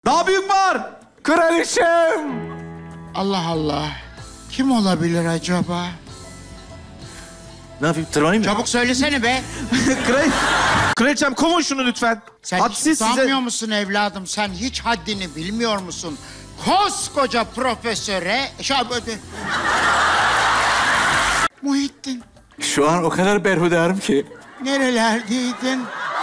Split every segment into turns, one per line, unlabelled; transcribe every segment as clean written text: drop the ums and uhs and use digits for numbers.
Daha büyük var.
Kraliçem!
Allah Allah. Kim olabilir acaba?
Ne yapayım, tırmanayım mı?
Çabuk söylesene be.
Kraliçem kovun şunu lütfen.
Sen
Hadsiz
hiç utanmıyor musun evladım? Sen hiç haddini bilmiyor musun? Koskoca profesöre... Muhittin,
Şu an o kadar berhudarım ki.
nerelerdeydin?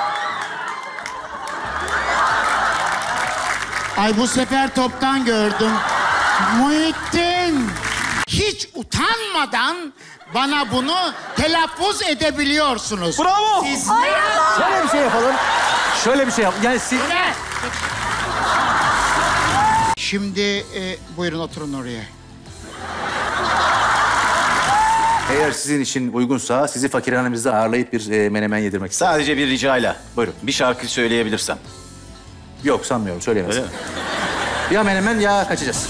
Ay bu sefer toptan gördüm. Muhittin! Hiç utanmadan bana bunu telaffuz edebiliyorsunuz.
Bravo.
Siz
Şöyle bir şey yapalım. Şöyle bir şey yap. Yani siz...
Şimdi buyurun oturun oraya.
Eğer sizin için uygunsa sizi fakirhanemizde ağırlayıp bir menemen yedirmek isterim.
Sadece bir ricayla.
Buyurun.
Bir şarkı söyleyebilirsem.
Yok sanmıyorum, söyleyemez.
Öyle mi?
Ya menemen ya kaçacağız.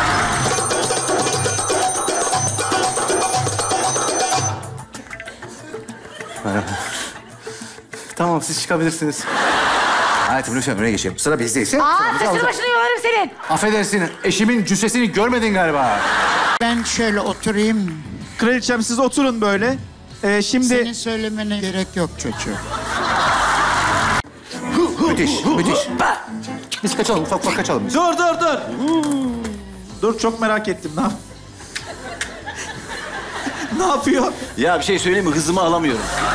Merhaba. Tamam, siz çıkabilirsiniz. Hayatım lütfen öne geçelim. Sıra bizdeyse.
Saçını başını yolarım senin.
Affedersin, eşimin cüssesini görmedin galiba.
Ben şöyle oturayım.
Kraliçem siz oturun böyle. Şimdi...
Senin söylemene gerek yok çocuğum.
Müthiş, müthiş. Biz kaçalım, ufak ufak kaçalım biz.
Dur. Dur, çok merak ettim. Ne yapıyor?
Ya bir şey söyleyeyim mi? Hızımı alamıyorum.